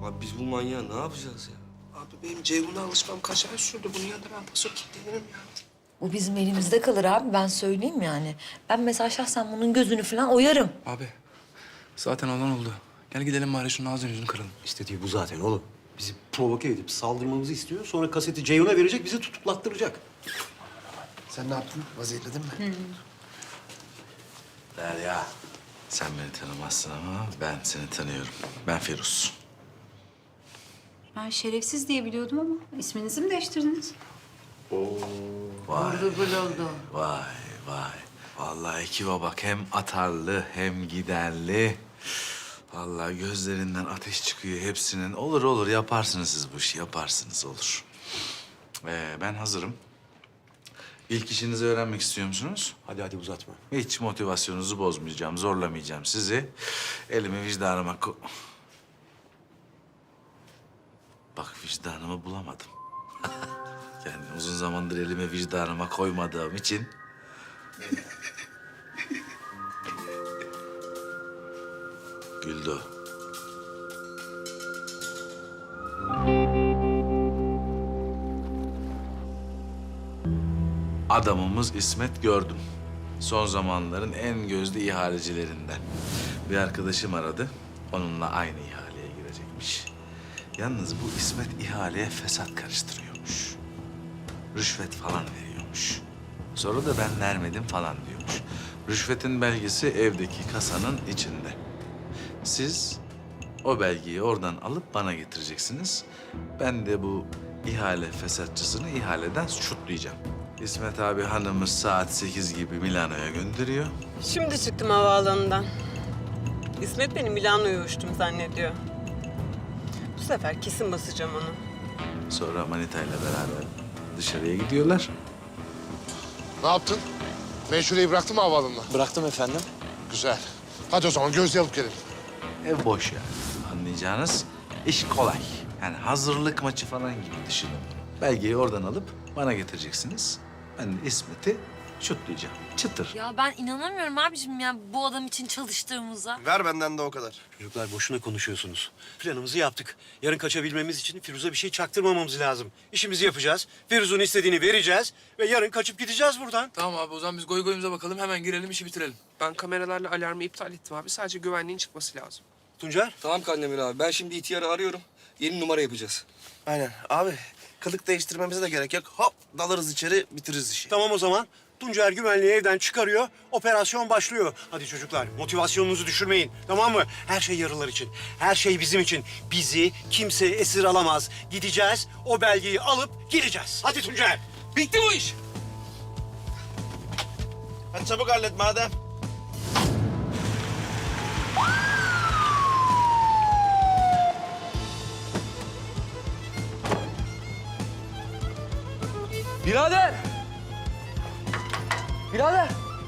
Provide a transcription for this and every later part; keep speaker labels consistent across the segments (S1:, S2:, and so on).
S1: Abi biz bu manyağı ne yapacağız ya?
S2: Abi benim Ceyhun'a alışmam kaç ay sürdü. Bunun yanında ben paso kilitlenirim ya.
S3: Bu bizim elimizde kalır abi, ben söyleyeyim yani. Ben mesela şahsen bunun gözünü falan oyarım.
S4: Abi zaten olan oldu. Gel gidelim bari şunun ağzını yüzünü kıralım.
S5: İstediği bu zaten oğlum. Bizi provoke edip saldırmamızı istiyor. Sonra kaseti Ceyhun'a verecek, bizi tutuklattıracak.
S2: Sen ne yaptın? Vaziyetledin mi?
S6: Derya, sen beni tanımazsın ama ben seni tanıyorum. Ben Firuz.
S7: Ben şerefsiz diye biliyordum ama isminizi mi değiştirdiniz?
S6: Vay,
S3: Bul oldu.
S6: vay, vay. Vallahi ekibe bak, hem atarlı hem giderli. Vallahi gözlerinden ateş çıkıyor hepsinin. Olur olur, yaparsınız siz bu işi, yaparsınız, olur. Ben hazırım. İlk işinizi öğrenmek istiyor musunuz?
S5: Hadi uzatma.
S6: Hiç motivasyonunuzu bozmayacağım, zorlamayacağım sizi. Elimi vicdanıma Bak, vicdanımı bulamadım. Yani uzun zamandır elimi vicdanıma koymadığım için... Güldü. Adamımız İsmet gördüm. Son zamanların en gözde ihalecilerinden. Bir arkadaşım aradı. Onunla aynı ihaleye girecekmiş. Yalnız bu İsmet ihaleye fesat karıştırıyormuş. Rüşvet falan veriyormuş. Sonra da ben vermedim falan diyormuş. Rüşvetin belgesi evdeki kasanın içinde. Siz o belgeyi oradan alıp bana getireceksiniz. Ben de bu ihale fesatçısını ihaleden şutlayacağım. İsmet abi hanımı saat 8 gibi Milano'ya gönderiyor.
S8: Şimdi çıktım havaalanından. İsmet beni Milano'ya uçtum zannediyor. Bu sefer kesin basacağım onu.
S6: Sonra Manita ile beraber dışarıya gidiyorlar.
S9: Ne yaptın? Meşhureyi bıraktın mı havaalanına?
S4: Bıraktım efendim.
S9: Güzel. Hadi o zaman gözle alıp gelin.
S6: Ev boş yani. Anlayacağınız iş kolay. Yani hazırlık maçı falan gibi düşünün. Belgeyi oradan alıp bana getireceksiniz. Ben de İsmet'i şutlayacağım. Çıtır.
S3: Ya ben inanamıyorum abiciğim ya bu adam için çalıştığımıza.
S2: Ver benden de o kadar.
S5: Çocuklar boşuna konuşuyorsunuz. Planımızı yaptık. Yarın kaçabilmemiz için Firuz'a bir şey çaktırmamamız lazım. İşimizi yapacağız. Firuz'un istediğini vereceğiz ve yarın kaçıp gideceğiz buradan.
S4: Tamam abi o zaman biz goy goyumuza bakalım. Hemen girelim işi bitirelim.
S2: Ben kameralarla alarmı iptal ettim abi. Sadece güvenliğin çıkması lazım.
S5: Tuncer?
S1: Tamam Kandemir abi. Ben şimdi ihtiyarı arıyorum. Yeni numara yapacağız.
S2: Aynen. Abi kılık değiştirmemize de gerek yok. Hop dalarız içeri bitiririz işi.
S5: Tamam o zaman. Tuncer güvenliği evden çıkarıyor. Operasyon başlıyor. Hadi çocuklar motivasyonunuzu düşürmeyin. Tamam mı? Her şey yarılar için. Her şey bizim için. Bizi kimse esir alamaz. Gideceğiz. O belgeyi alıp geleceğiz. Hadi Tuncer.
S1: Bitti bu iş.
S2: Hadi çabuk hallet madem.
S1: Birader! Birader!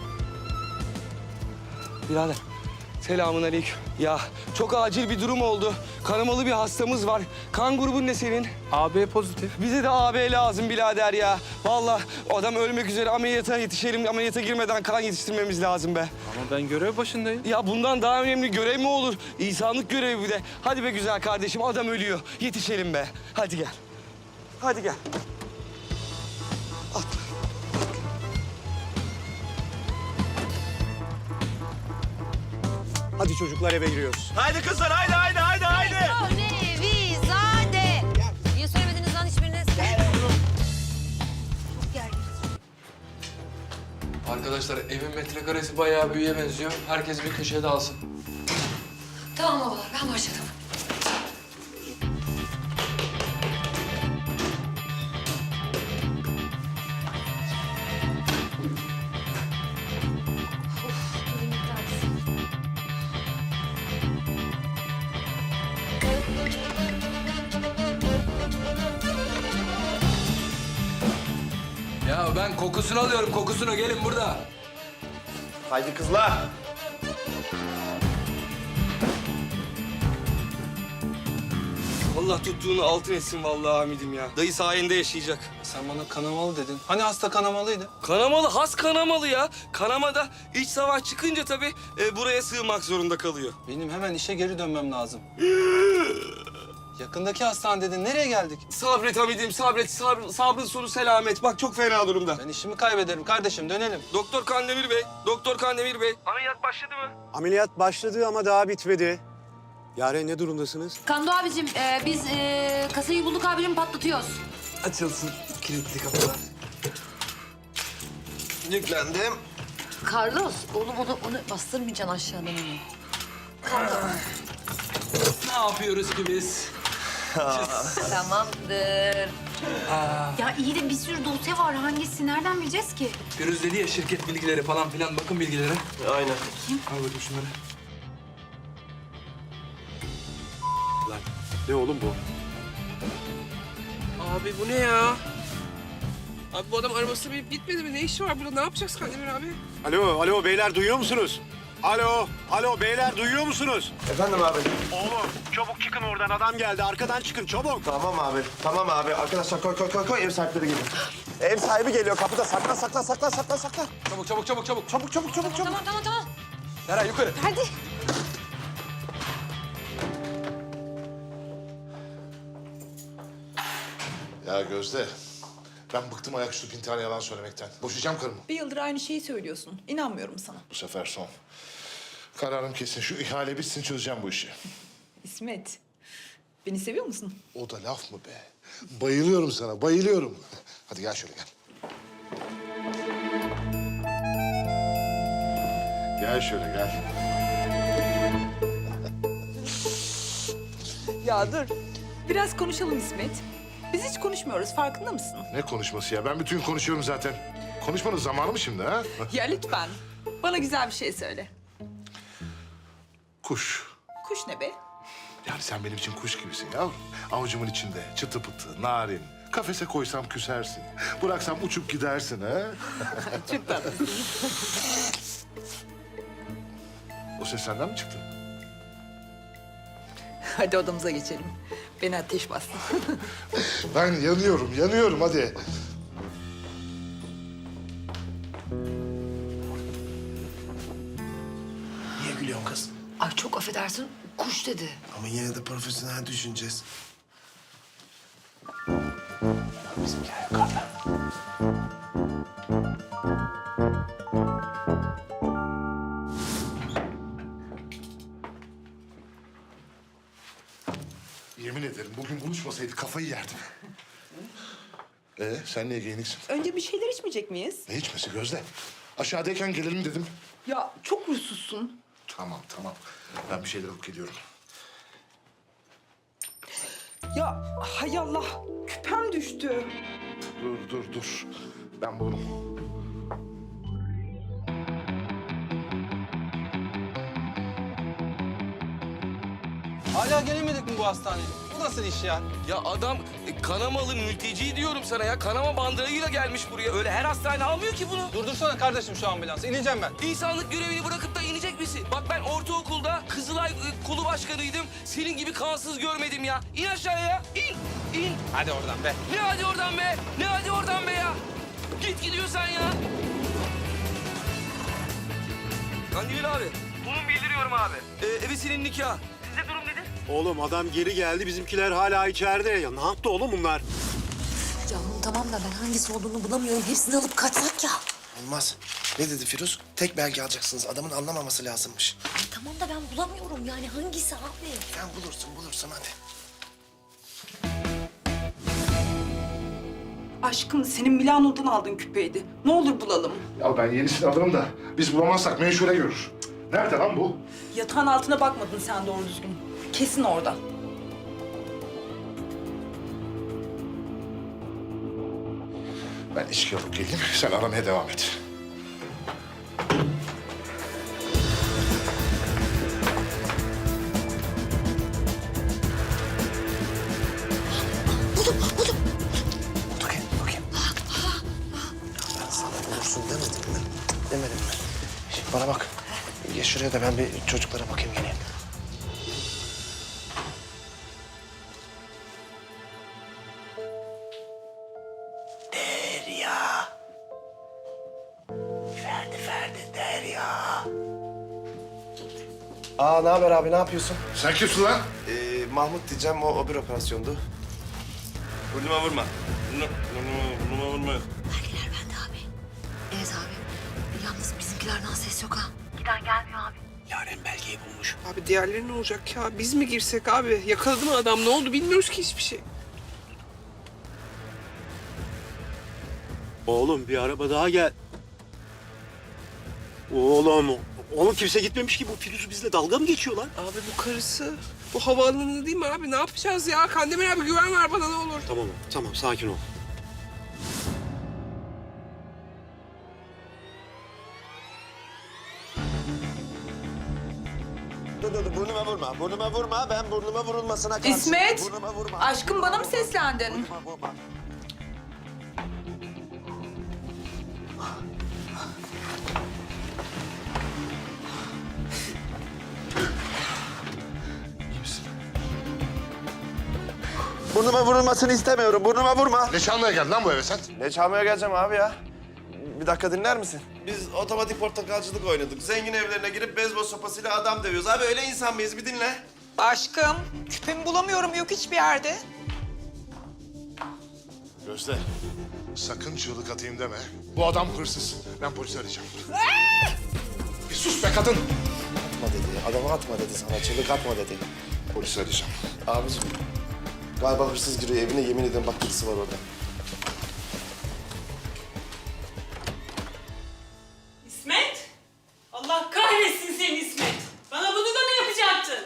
S1: Birader, selamünaleyküm. Ya çok acil bir durum oldu. Kanamalı bir hastamız var. Kan grubun ne senin?
S4: AB pozitif.
S1: Bize de AB lazım birader ya. Vallahi adam ölmek üzere, ameliyata yetişelim. Ameliyata girmeden kan yetiştirmemiz lazım be.
S4: Ama ben görev başındayım.
S1: Ya bundan daha önemli görev mi olur? İnsanlık görevi bir de. Hadi be güzel kardeşim, adam ölüyor. Yetişelim be. Hadi gel. Hadi gel. Atla.
S5: Hadi çocuklar eve giriyoruz.
S2: Haydi kızlar haydi haydi haydi haydi.
S3: Nevizade. Niye söylemediniz lan hiçbiriniz?
S4: Arkadaşlar evin metrekaresi bayağı büyüye benziyor. Herkes bir köşede alsın.
S3: Tamam babalar, ben başladım.
S4: Ya ben kokusunu alıyorum kokusunu. Gelin burada.
S2: Haydi kızlar.
S1: Allah tuttuğunu altın etsin vallahi Hamid'im ya. Dayı sayende yaşayacak.
S4: Sen bana kanamalı dedin. Hani hasta kanamalıydı?
S1: Kanamalı, has kanamalı ya. Kanamada iç savaş çıkınca tabii buraya sığmak zorunda kalıyor.
S4: Benim hemen işe geri dönmem lazım. Yakındaki hastane dedin. Nereye geldik?
S1: Sabret Hamid'im, sabret. Sabrın sonu selamet. Bak çok fena durumda.
S4: Ben işimi kaybederim kardeşim. Dönelim.
S1: Doktor Kandemir Bey, Doktor Kandemir Bey. Ameliyat başladı mı?
S5: Ameliyat başladı ama daha bitmedi. Yaren ne durumdasınız?
S7: Kando abicim biz kasayı bulduk abicim patlatıyoruz.
S1: Açılsın kilitli kapılar.
S2: Yüklendim.
S3: Carlos, oğlum onu bastırmayacaksın aşağıdan onu.
S4: Ne yapıyoruz ki biz?
S3: Tamamdır.
S7: Ya iyi de bir sürü dosya var. Hangisi? Nereden bileceğiz ki?
S4: Firuz dedi ya şirket bilgileri falan filan. Bakın bilgilere.
S2: Aynen.
S4: Al bakayım şunları.
S5: Lan ne oğlum bu?
S10: Abi bu ne ya? Abi bu adam arabası binip gitmedi mi? Ne işi var burada? Ne yapacağız Kandemir abi?
S5: Alo beyler duyuyor musunuz? Alo beyler duyuyor musunuz?
S2: Efendim abi.
S5: Oğlum çabuk çıkın oradan adam geldi arkadan çıkın çabuk.
S2: Tamam abi. Arkadaşlar koy. Ev sahipleri geliyor. Ev sahibi geliyor kapıda. Saklan.
S4: Çabuk.
S3: Tamam.
S4: Eray yukarı.
S3: Hadi.
S9: Ya Gözde, ben bıktım ayaküstü bin tane yalan söylemekten. Boşayacağım karımı.
S11: Bir yıldır aynı şeyi söylüyorsun. İnanmıyorum sana.
S9: Bu sefer son. Kararım kesin. Şu ihale bitsin çözeceğim bu işi.
S11: İsmet, beni seviyor musun?
S9: O da laf mı be? Bayılıyorum sana, bayılıyorum. Hadi gel şöyle gel. Gel şöyle gel.
S11: Ya dur. Biraz konuşalım İsmet. Biz hiç konuşmuyoruz. Farkında mısın?
S9: Ne konuşması ya? Ben bütün gün konuşuyorum zaten. Konuşmanın zamanı mı şimdi ha?
S11: Ya lütfen. Bana güzel bir şey söyle.
S9: Kuş.
S11: Kuş ne be?
S9: Yani sen benim için kuş gibisin yavrum. Avucumun içinde çıtı pıtı, narin. Kafese koysam küsersin. Bıraksam uçup gidersin ha.
S11: Çok tatlısın.
S9: O ses senden mi çıktı?
S11: Hadi odamıza geçelim. Beni ateş bastı.
S9: Ben yanıyorum hadi.
S2: Niye gülüyorsun kız?
S3: Ay çok affedersin, kuş dedi.
S2: Ama yine de profesyonel düşüneceğiz. Bizimkiler yukarıda.
S9: Yemin ederim bugün buluşmasaydık kafayı yerdim. Sen niye giyiniksin?
S11: Önce bir şeyler içmeyecek miyiz?
S9: Ne içmesi Gözde? Aşağıdayken gelelim dedim.
S11: Ya çok huysuzsun.
S9: Tamam. Ben bir şeyler alıp geliyorum.
S11: Ya hay Allah. Küpem düştü.
S9: Dur. Ben bulurum.
S4: Hala gelemedik mi bu hastaneye? Bu nasıl iş ya?
S1: Ya adam kanamalı mülteci diyorum sana ya. Kanama bandırayla gelmiş buraya. Öyle her hastane almıyor ki bunu.
S4: Durdursana kardeşim şu ambulansı. İneceğim ben.
S1: İnsanlık görevini bırakıp da inecek misin? Bak ben ortaokulda Kızılay kolu başkanıydım. Senin gibi kansız görmedim ya. İn aşağıya ya. İn.
S4: Hadi oradan be.
S1: Ne hadi oradan be ya. Git gidiyorsan ya. Kandemir abi. Bunu bildiriyorum abi. Ebesinin nikahı. Sizde durum nedir?
S5: Oğlum adam geri geldi bizimkiler hala içeride. Ya ne yaptı oğlum bunlar?
S3: Yavrum tamam da ben hangisi olduğunu bulamıyorum. Hepsini alıp kaçsak ya.
S2: Olmaz. Ne dedi Firuz? Tek belge alacaksınız. Adamın anlamaması lazımmış.
S3: Ay tamam da ben bulamıyorum yani hangisi abi?
S2: Sen bulursun hadi.
S11: Aşkım senin Milano'dan aldığın küpeydi. Ne olur bulalım.
S9: Ya ben yenisini alırım da biz bulamazsak menşure görür. Cık, nerede lan bu?
S11: Yatağın altına bakmadın sen doğru düzgün. Kesin orada.
S9: Ben içki alıp geleyim. Sen aramaya devam et.
S2: Bakayım. Ya ben sana bulursun demedim mi? Demedim mi? Şimdi bana bak. Geç şuraya da ben bir çocuklara bakayım geleyim. Derya. Ferdi Derya. Ne haber abi, ne yapıyorsun?
S9: Sen kimsin lan?
S2: Mahmut diyeceğim, o bir operasyondu.
S12: Burnuma vurma. Burnuma vurma.
S3: Belgeler bende abi. Evet abi. Yalnız bizimkilerden ses yok ha. Giden gelmiyor abi.
S5: Yaren belgeyi bulmuş.
S10: Abi diğerleri ne olacak ya? Biz mi girsek abi? Yakaladı mı adam? Ne oldu bilmiyoruz ki hiçbir şey.
S5: Oğlum bir araba daha gel. Oğlum kimse gitmemiş ki. Bu Firuz bizle dalga mı geçiyor lan?
S10: Abi bu karısı. Bu havaalanında değil mi abi? Ne yapacağız ya? Kandemir abi güven ver bana ne olur.
S5: Tamam sakin ol.
S2: Dur, burnuma vurma. Ben burnuma vurulmasına karşıyım.
S11: İsmet!
S2: Burnuma vurma.
S11: Aşkım bana mı seslendin?
S2: Vurma.
S6: İyi misin?
S2: Burnuma vurulmasını istemiyorum. Burnuma vurma.
S9: Ne çalmaya geldin lan bu eve sen?
S2: Ne çalmaya geleceğim abi ya? Bir dakika dinler misin? Biz otomatik portakalcılık oynadık. Zengin evlerine girip beyzbol sopasıyla adam dövüyoruz. Abi öyle insan mıyız? Bir dinle.
S11: Aşkım, küpemi bulamıyorum, yok hiçbir yerde.
S9: Gözde, sakın çığlık atayım deme. Bu adam hırsız. Ben polisi arayacağım. Bir sus be kadın.
S2: Atma dedi. Adamı atma dedi sana. Çığlık atma dedi.
S9: Polisi arayacağım.
S2: Abicim, galiba hırsız giriyor evine. Yemin ediyorum bak birisi var orada.
S8: İsmet! Allah kahretsin seni İsmet! Bana bunu da mı yapacaktın?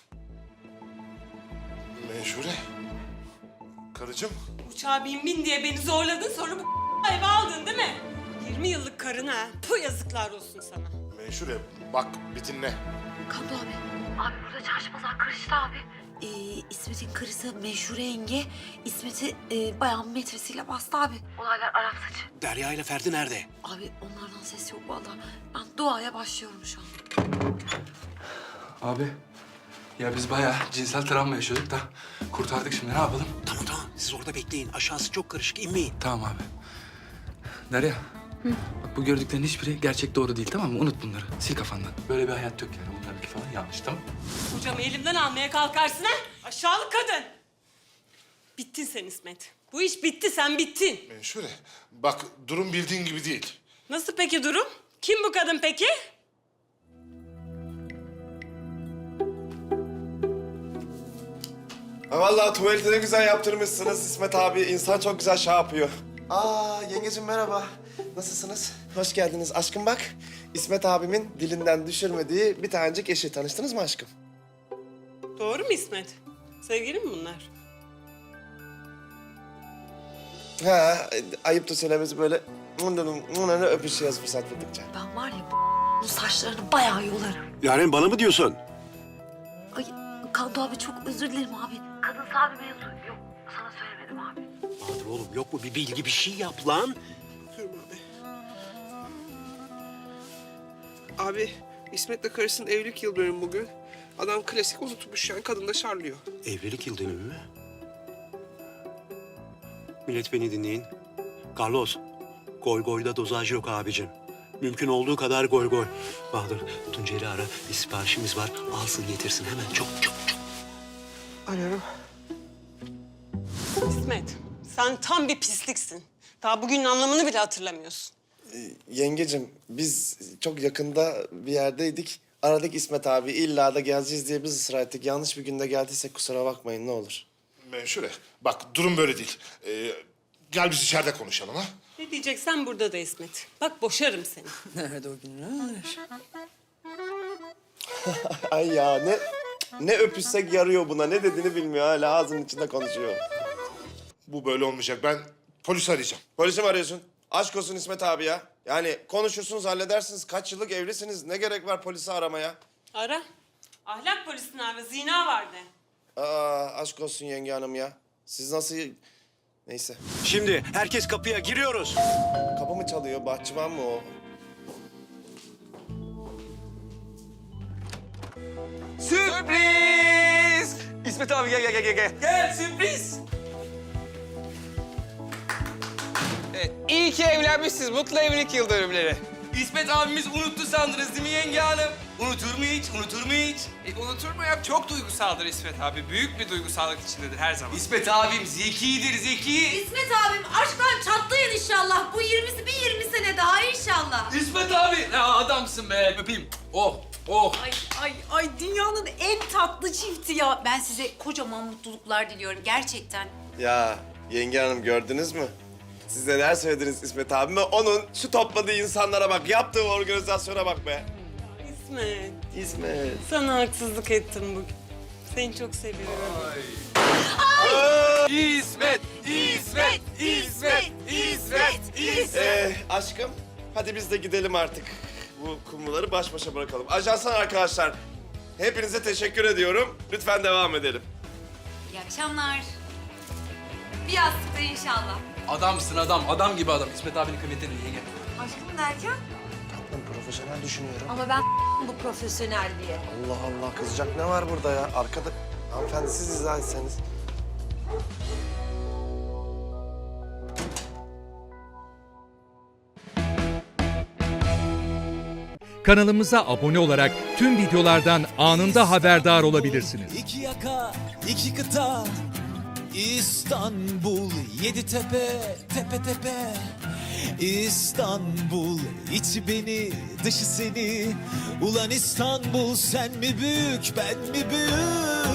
S9: Menşure. Karıcığım.
S8: Uçağa bin diye beni zorladın, sonra bu eve aldın değil mi? 20 yıllık karın ha. Bu yazıklar olsun sana.
S9: Menşure bak bir dinle.
S3: Kamdo abi. Abi burada çarşı pazar karıştı abi. İsmet'in karısı Meşhure yenge İsmet'i bayağı metresiyle bastı abi. Olaylar Arap saçı.
S5: Derya ile Ferdi nerede?
S3: Abi onlardan ses yok vallahi. Ben duaya başlıyorum şu an.
S4: Abi ya biz bayağı cinsel travma yaşıyorduk da kurtardık şimdi ne yapalım?
S5: Tamam. Siz orada bekleyin. Aşağısı çok karışık. İnmeyin.
S4: Tamam abi. Derya. Bak bu gördüklerin hiçbiri gerçek doğru değil tamam mı? Unut bunları. Sil kafandan. Böyle bir hayat yok yani. Bunlarınki falan yanlış tamam mı?
S8: Kocamı elimden almaya kalkarsın ha? Aşağılık kadın! Bittin sen İsmet. Bu iş bitti, sen bittin.
S9: Menşure bak durum bildiğin gibi değil.
S8: Nasıl peki durum? Kim bu kadın peki?
S2: Vallahi tuvaleti ne güzel yaptırmışsınız İsmet abi. İnsan çok güzel şey yapıyor. Yengeciğim merhaba. Nasılsınız? Hoş geldiniz. Aşkım bak. İsmet abimin dilinden düşürmediği bir tanecik eşi. Tanıştınız mı aşkım?
S8: Doğru mu İsmet? Sevgili mi bunlar?
S2: Ha, ayıp da söylemesi böyle öpüşüyoruz fırsat buldukça.
S3: Ben var ya bu saçlarını bayağı yolarım.
S5: Yaren bana mı diyorsun?
S3: Ay Kamdo abi çok özür dilerim abi. Kadınsal bir mevzu yok. Sana söylemedim abi.
S5: Bahadır oğlum yok mu bir bilgi bir şey yap lan.
S10: Bakıyorum abi. Abi İsmet'le karısının evlilik yıl dönümü bugün. Adam klasik unutmuş yani kadın da şarlıyor.
S5: Evlilik yıl dönümü mü? Millet beni dinleyin. Carlos, goy goyda dozaj yok abicim. Mümkün olduğu kadar goy goy. Bahadır, Tuncer'i ara. Bir siparişimiz var. Alsın getirsin hemen. Çok.
S10: Arıyorum.
S8: İsmet, sen tam bir pisliksin. Daha bugünün anlamını bile hatırlamıyorsun.
S2: Yengecim biz çok yakında bir yerdeydik. Aradık İsmet abi. İlla da geleceğiz diye biz ısrar ettik. Yanlış bir günde geldiysek kusura bakmayın ne olur.
S9: Menşure bak durum böyle değil. Gel biz içeride konuşalım ha.
S8: Ne diyeceksen burada da İsmet. Bak boşarım seni.
S10: Nerede o günler?
S2: Ay ya ne öpüşsek yarıyor buna. Ne dediğini bilmiyor hala ağzının içinde konuşuyor.
S9: Bu böyle olmayacak. Ben polisi arayacağım.
S2: Polisi mi arıyorsun? Aşk olsun İsmet abi ya. Yani konuşursunuz halledersiniz. Kaç yıllık evlisiniz. Ne gerek var polisi aramaya?
S8: Ara. Ahlak polisini ara, zina var de.
S2: Aşk olsun yenge hanım ya. Siz nasıl... Neyse.
S5: Şimdi herkes kapıya giriyoruz.
S2: Kapı mı çalıyor? Bahçıvan mı o?
S1: Sürpriz! İsmet abi gel. Gel sürpriz.
S10: Evet, iyi ki evlenmişsiniz. Mutlu evlilik yıl dönümleri.
S1: İsmet abimiz unuttu sandınız değil mi yenge hanım? Unutur mu hiç? Unutur mu hiç?
S10: Unutur mu ya? Çok duygusaldır İsmet abi. Büyük bir duygusallık içindedir her zaman.
S1: İsmet abim zekidir, zeki.
S3: İsmet abim aşktan çatlayın inşallah. Bu 20 sene daha inşallah.
S4: İsmet abi. Ya adamsın be. Öpeyim. Oh, oh.
S7: Ay dünyanın en tatlı çifti ya. Ben size kocaman mutluluklar diliyorum gerçekten.
S2: Ya yenge hanım gördünüz mü? Siz neler söylediniz İsmet abime? Onun şu topladığı insanlara bak, yaptığı organizasyona bak be.
S8: İsmet,
S2: İsmet.
S8: sana haksızlık ettim bugün. Seni çok seviyorum.
S1: İsmet, İsmet, İsmet, İsmet, İsmet.
S2: Aşkım, hadi biz de gidelim artık. Bu kumruları baş başa bırakalım. Ajansan arkadaşlar, hepinize teşekkür ediyorum. Lütfen devam edelim.
S3: İyi akşamlar. Bir yastıkta inşallah.
S4: Adamsın adam. Adam gibi adam. İsmet abinin kıymetini iyi gel.
S3: Aşkım derken?
S2: Tatlım, profesyonel düşünüyorum.
S3: Ama ben bu profesyonel diye.
S2: Allah Allah, kızacak ne var burada ya? Arkada... Hanımefendi siz izah etseniz.
S13: Kanalımıza abone olarak tüm videolardan anında haberdar olabilirsiniz.
S14: İki yaka, iki kıta, İstanbul, yedi tepe, tepe tepe. İstanbul, içi beni, dışı seni. Ulan İstanbul, sen mi büyük, ben mi büyük?